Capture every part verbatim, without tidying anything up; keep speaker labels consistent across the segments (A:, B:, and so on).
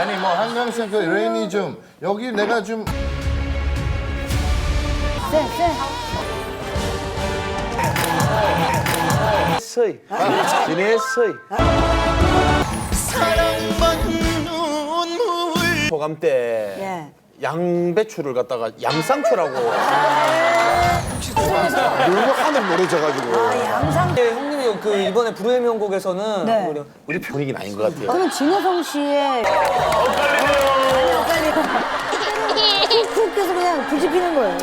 A: 아니 뭐 한강센터 레인이 좀 여기 내가 좀
B: 쎄, 쎄.
C: 서희. 진해 서희. 소감 때
B: 예.
C: 양배추를 갖다가 양상추라고 너무 하늘 노래져가지고
B: 아, 양상.
D: 예, 형님이 그 이번에 불후의 명곡에서는
B: 네.
D: 오히려
C: 우리 분위기는 아닌 것 같아요.
B: 저는 진호성 씨의. 엇갈려. 엇갈려. 훅 해서 그냥 불 지피는 거예요.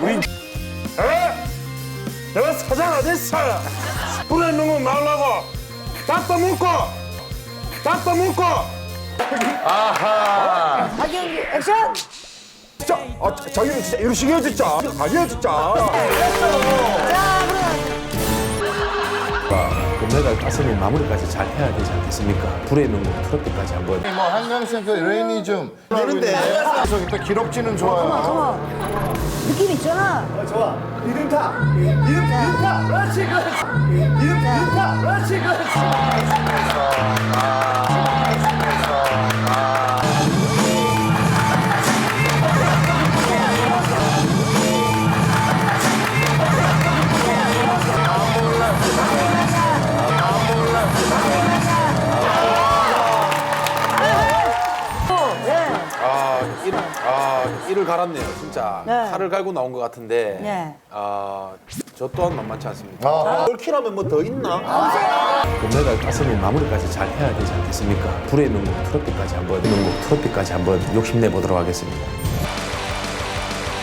E: 내가 사장 어딨어? 불에 넣으면 말라고 닭도 먹고 닭도 먹고
A: 아하
B: 박영규 액션!
E: 진짜 아, 자기는 진짜 이러시게요 진짜 아니에요 진짜
B: 자, 그럼.
C: 금메달 따스는 마무리까지 잘 해야 되지 않겠습니까? 불의 명곡 트로트까지 한번.
A: 뭐 한강센터 레인이 좀 되는데 그래서 일단 기록지는 좋아요.
B: 컴온. 느낌 있잖아.
C: 아, 이를, 아, 이를 갈았네요, 진짜.
B: 네.
C: 칼을 갈고 나온 것 같은데.
B: 네.
C: 아, 저 또한 만만치 않습니다.
A: 아.
C: 올킬하면 뭐 더 있나? 금메달 따스는 마무리까지 잘 해야 되지 않겠습니까? 불의 명곡 트로트까지 한번, 명곡 트로트까지 한번 욕심내 보도록 하겠습니다.